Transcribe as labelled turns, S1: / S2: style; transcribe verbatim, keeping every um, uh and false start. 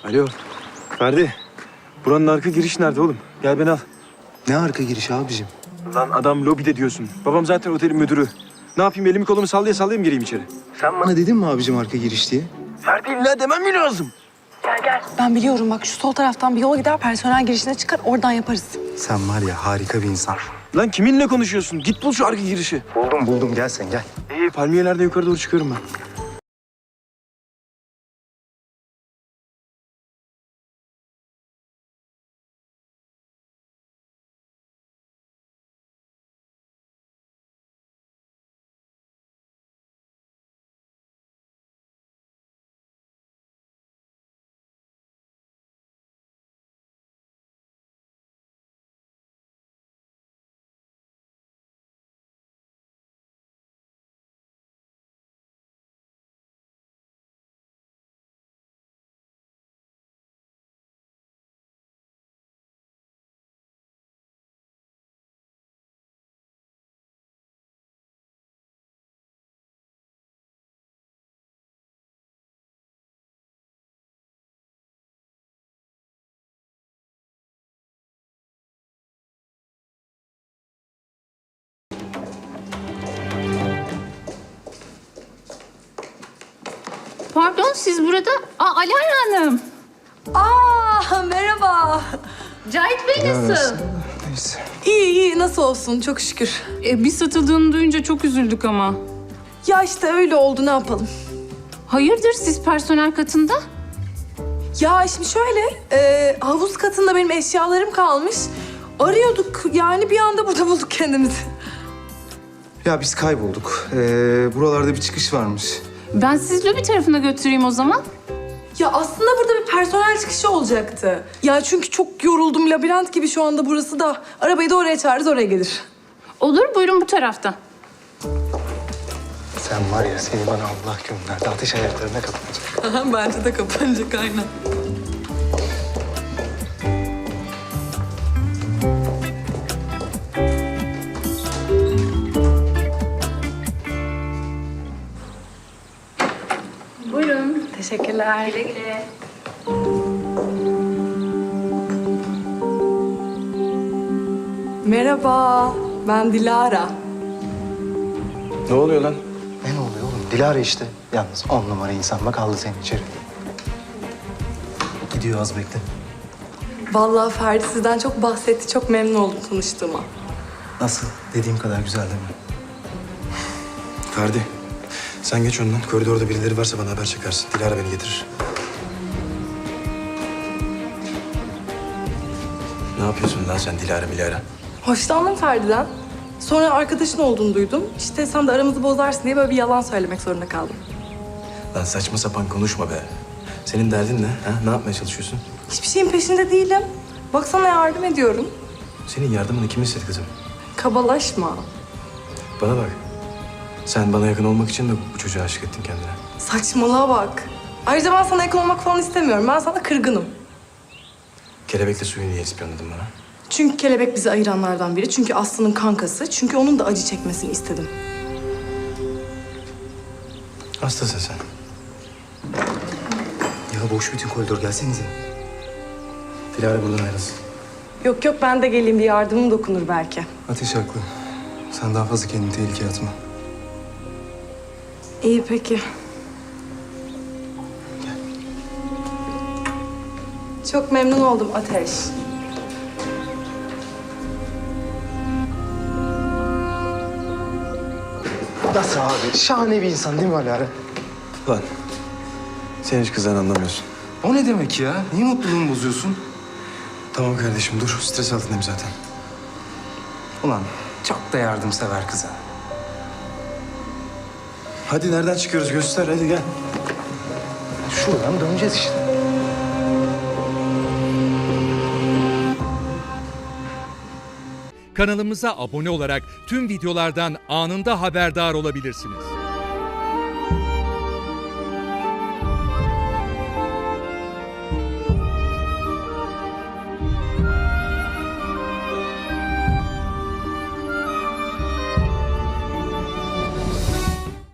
S1: Alo. Ferdi. Buranın arka giriş nerede oğlum? Gel beni al.
S2: Ne arka giriş abicim?
S1: Lan adam lobide diyorsun. Babam zaten otelin müdürü. Ne yapayım, elimi kolumu sallaya sallaya mı gireyim içeri?
S2: Sen bana dedin mi abicim arka giriş diye?
S1: Ferdi illa demem mi lazım?
S3: Ben biliyorum bak, şu sol taraftan bir yol gider, personel girişine çıkar, oradan yaparız.
S2: Sen var ya harika bir insan.
S1: Lan kiminle konuşuyorsun? Git bul şu arka girişi.
S2: Buldum buldum gel sen gel.
S1: İyi, palmiyelerden yukarı doğru çıkıyorum ben.
S4: Pardon, siz burada... Aa, Alara Hanım.
S3: Aa, merhaba.
S4: Cahit Bey nasıl?
S2: Neyse.
S3: İyi iyi, nasıl olsun, çok şükür.
S4: E, biz satıldığını duyunca çok üzüldük ama.
S3: Ya işte öyle oldu, ne yapalım?
S4: Hayırdır siz personel katında?
S3: Ya şimdi şöyle, e, havuz katında benim eşyalarım kalmış. Arıyorduk, yani bir anda burada bulduk kendimizi.
S2: Ya biz kaybolduk. Ee, buralarda bir çıkış varmış.
S4: Ben sizi lobi tarafına götüreyim o zaman.
S3: Ya aslında burada bir personel çıkışı olacaktı. Ya çünkü çok yoruldum, labirent gibi şu anda burası da. Arabayı da oraya çağırırız, oraya gelir.
S4: Olur, buyurun bu taraftan.
S2: Sen var ya seni bana Allah gönderdi. Ateş ayaklarına kapanacak.
S3: Bence de kapanacak, aynen.
S4: Buyurun.
S3: Teşekkürler.
S4: Güle güle.
S3: Merhaba, ben Dilara.
S1: Ne oluyor lan?
S2: Ne oluyor oğlum? Dilara işte. Yalnız on numara insan bak aldı seni içeri. Gidiyor az bekle.
S3: Vallahi Ferdi sizden çok bahsetti, çok memnun oldum tanıştığıma.
S2: Nasıl? Dediğim kadar güzel değil mi?
S1: Ferdi, sen geç önden. Koridorda birileri varsa bana haber çekersin. Dilara beni getirir. Ne yapıyorsun lan sen Dilara Milara?
S3: Hoşlandım Ferdi'den. Sonra arkadaşın olduğunu duydum. İşte sen de aramızı bozarsın diye böyle bir yalan söylemek zorunda kaldım.
S1: Lan saçma sapan konuşma be. Senin derdin ne? Ha? Ne yapmaya çalışıyorsun?
S3: Hiçbir şeyin peşinde değilim. Baksana yardım ediyorum.
S1: Senin yardımını kim istedi kızım?
S3: Kabalaşma.
S1: Bana bak. Sen bana yakın olmak için de bu çocuğa aşık ettin kendine.
S3: Saçmalığa bak. Ayrıca ben sana yakın olmak falan istemiyorum. Ben sana kırgınım.
S1: Kelebekle suyu niye ispiyonladın bana?
S3: Çünkü kelebek bizi ayıranlardan biri. Çünkü Aslı'nın kankası. Çünkü onun da acı çekmesini istedim.
S1: Hastasın sen.
S2: Ya boş bütün koridor gelsenize.
S1: Dilara buradan ayrılsın.
S3: Yok yok, ben de geleyim, bir yardımım dokunur belki.
S2: Ateş haklı. Sen daha fazla kendini tehlikeye atma.
S3: İyi peki. Çok memnun oldum Ateş.
S2: Nasıl abi? Şahane bir insan değil mi Alara?
S1: Lan sen hiç kızdan anlamıyorsun.
S2: O ne demek ya? Niye mutluluğumu bozuyorsun?
S1: Tamam kardeşim dur. Stres altındayım zaten.
S2: Ulan çok da yardımsever kıza.
S1: Hadi nereden çıkıyoruz göster hadi gel.
S2: Şuradan döneceğiz işte.
S5: Kanalımıza abone olarak tüm videolardan anında haberdar olabilirsiniz.